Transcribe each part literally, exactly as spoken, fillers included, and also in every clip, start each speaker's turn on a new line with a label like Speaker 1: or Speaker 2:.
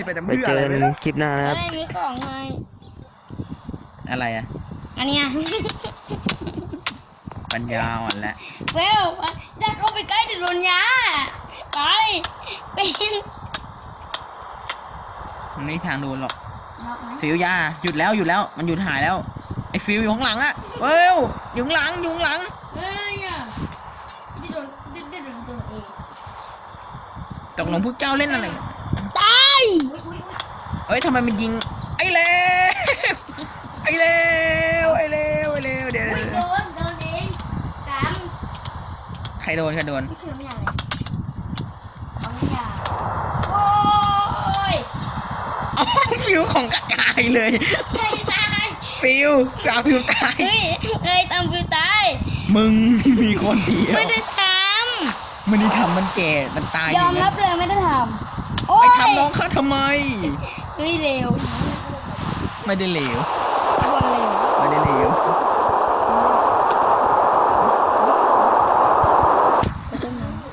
Speaker 1: ไปแต่
Speaker 2: ไป
Speaker 1: เพื่อ
Speaker 2: เจ
Speaker 1: อะไร
Speaker 2: อ
Speaker 1: ไม่
Speaker 2: กัน
Speaker 1: รู้
Speaker 2: คลิปหน้านะครับ
Speaker 3: เอ้ยมีของไง
Speaker 1: อะไรอะ
Speaker 3: อันเนี้ย
Speaker 1: ปัญญาอ่อนแล้ว
Speaker 3: เวลจะเข้าไปใกล้จะโดนยาไปเป็น
Speaker 1: มันไม่มีทางโดนหรอก
Speaker 3: ล็อกไหม
Speaker 1: ฟิวยาหยุดแล้วหยุดแล้วมันหยุดหายแล้วไอ้ฟิวอยู่ข้างหลังอะเอ้ยอยู่ข้างหลังอยู่ข้างหลัง
Speaker 3: เอ้ยอ่ะจะโดนจะโดนตัวเอง
Speaker 1: ตกลงพวกเจ้าเล่นอะไร
Speaker 3: ตายอุ้ยอุ้ย
Speaker 1: เอ้ยทำไมมันยิงไอ้เลวไอ้เลวไอ้เลวไอ้เลวเดี๋ยว
Speaker 3: อุ้ย
Speaker 1: เดี๋ยว
Speaker 3: โดนโดนเองสาม
Speaker 1: ใครโดนใครโดน
Speaker 3: นี่คือไม่อยากเลยเขาไม่อยากโอ้ย
Speaker 1: อ๋อฟิวของกระจายเลย
Speaker 3: ใครตาย
Speaker 1: ฟิวสาวฟิวตาย
Speaker 3: เฮ้ยเอ้ยตามฟิวตาย
Speaker 1: มึงมีคนเดียว
Speaker 3: ไม่ได้ท
Speaker 1: มันนี่ทำมันแก่มันตาย
Speaker 3: ำยอมรับเลยไม่ได้ทำโอ้
Speaker 1: ไป
Speaker 3: ย
Speaker 1: ทำน้องเขาทำไม
Speaker 3: เฮ้ยเร็ว
Speaker 1: ไม่ได้เหลว
Speaker 3: บอลเร็ว
Speaker 1: ไม่ได้เหลว
Speaker 3: ไปต้นน้ำ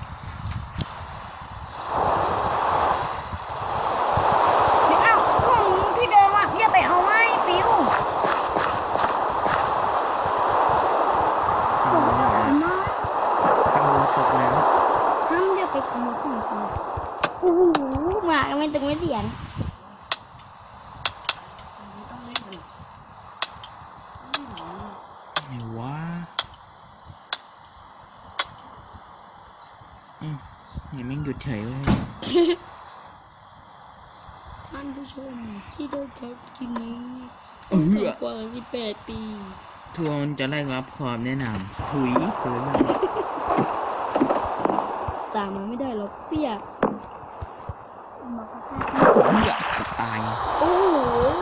Speaker 3: เดี๋ยวอ้าวของที่เดิมอ่ะอย่าไปเอาไม้ฟิวผมไม่เอาไม้
Speaker 2: เอาตกแล้ว
Speaker 3: ห้ามอย่าไปขโมยของเขาโอ้โหหมาก็ไม่ตึงไม่เสียน
Speaker 1: ไหนวะอืมนี่แม่งหยุดเฉยเว้ย
Speaker 3: ท่านผู้ชมที่ได้รับคลิปนี้
Speaker 1: เออ
Speaker 3: ต่ำกว่าสิบแปดปี
Speaker 1: ทัวร์มันจะได้รับความแนะนำหุยเกินมา
Speaker 3: ตามมาไม่ได้หรอกเปียก
Speaker 1: เหี้ยจะตาย
Speaker 3: โอ้โห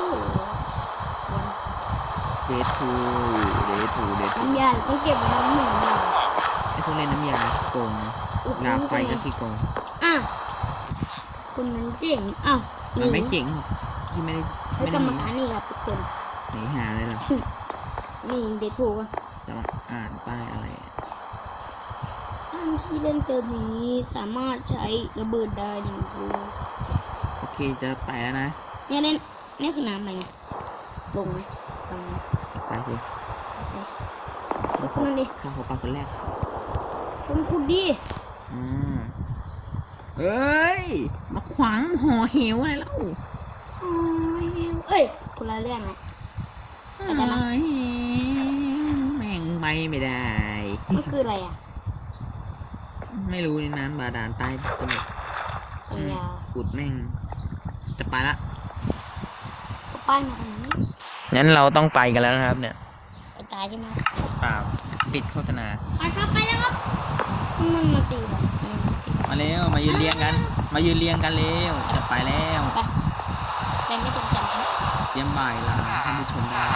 Speaker 1: เดทูเดทูเดทู
Speaker 3: น้ำยาต้องเก็บไว้น้ำหนึ่งยา
Speaker 1: ไอ้พวกเล่นน้ำยาโกงนะลาไฟก็ขี้โกง
Speaker 3: อ่ะคนนั้นเจ๋งอ้าว
Speaker 1: มันไม่เจ๋งหรอกที่ไม่ได้
Speaker 3: ให้
Speaker 1: ไม่
Speaker 3: ก
Speaker 1: ได้
Speaker 3: รร
Speaker 1: ห
Speaker 3: ม
Speaker 1: นี
Speaker 3: การนี่ครับทุกคน
Speaker 1: หนีหาเลยหรอ
Speaker 3: นี่เด็ดถูกอ่ะ
Speaker 1: จะมาอ่านป้ายอะไร
Speaker 3: ท่านที่เล่นเติมนี้สามารถใช้ระเบิดได้หนึ่งลูก
Speaker 1: โอเคจะไปแล้วนะ
Speaker 3: เนี่ยเนี่ยเนี่ยคือน้ำอะไรเนี่ยลงไหมลงไหม
Speaker 1: ไปสิ
Speaker 3: แล้วคนนั้นดิ
Speaker 1: ข้าหัวปลาคนแรก
Speaker 3: คนขุดดิ
Speaker 1: อืมเอ้ยมาขวางห่อเหวอะไรแล้ว
Speaker 3: โอ้ยเอ้ยคนละเรื่องนะไปกันนะ
Speaker 1: เอ้ยแม่งไปไม่ได้
Speaker 3: มันคืออะไรอ่ะ
Speaker 1: ไม่รู้ในน้ำบาดาลใต้ตลก
Speaker 3: สัญญา
Speaker 1: ขุดแม่งจะไปละ
Speaker 3: ก็ป้ายมาทางนี้
Speaker 1: งั้นเราต้องไปกันแล้วนะครับเนี่ย
Speaker 3: ไปตายใช่ไหม
Speaker 1: เปล่าปิดโฆษณา
Speaker 3: ไปครับไปแล้วครับมันมาตีแบบมันมาตี
Speaker 1: มาเร็วมายืนเรียงกัน มายืนเรียงกันเร็วจะไปแล้ว
Speaker 3: ไปไปไม่ตรงกันนะ
Speaker 1: เตรียมบ่ายลาท่านผู้ชมได้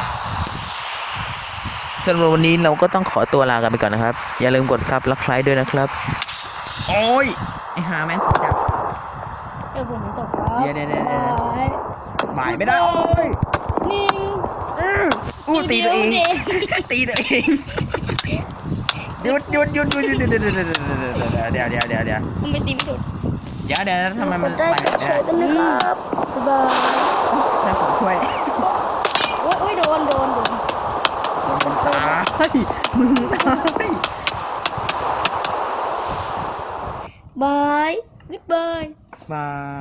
Speaker 2: สำหรับวันนี้เราก็ต้องขอตัวลากันไปก่อนนะครับ อย่าลืมกดซับและไลค์ด้วยนะครับ
Speaker 1: โอ้ยไอ้หาแม่งจับ
Speaker 3: เดี๋ยวผมตกครับ
Speaker 1: เดี๋ยวเดี๋ยวเดี๋ยวเดี๋ยว
Speaker 3: ไป
Speaker 1: บ่ายไม่ได้โอ้ย
Speaker 3: นี่
Speaker 1: อู้ตีตัวเอง
Speaker 3: เดี๋ยว
Speaker 1: ตีตัวเองหยุดหยุดหยุดหยุดหยุดหยุดหยุดหยุดหยุดหยุดเดี๋ยวเดี๋ยวเดี๋ยวเดี๋ยวเดี๋ยว
Speaker 3: ทำไมตีไม่ถูก
Speaker 1: เดี๋ยวเดี๋ยวทำไมมันไปไม่ได้
Speaker 3: กันนะครับบ๊ายบาย
Speaker 1: ให้ผมช่วย
Speaker 3: โอ้ยโอ้ยโดนโดนโดน
Speaker 1: มึงตายมึงตาย
Speaker 3: บายบ๊ายบาย
Speaker 1: บาย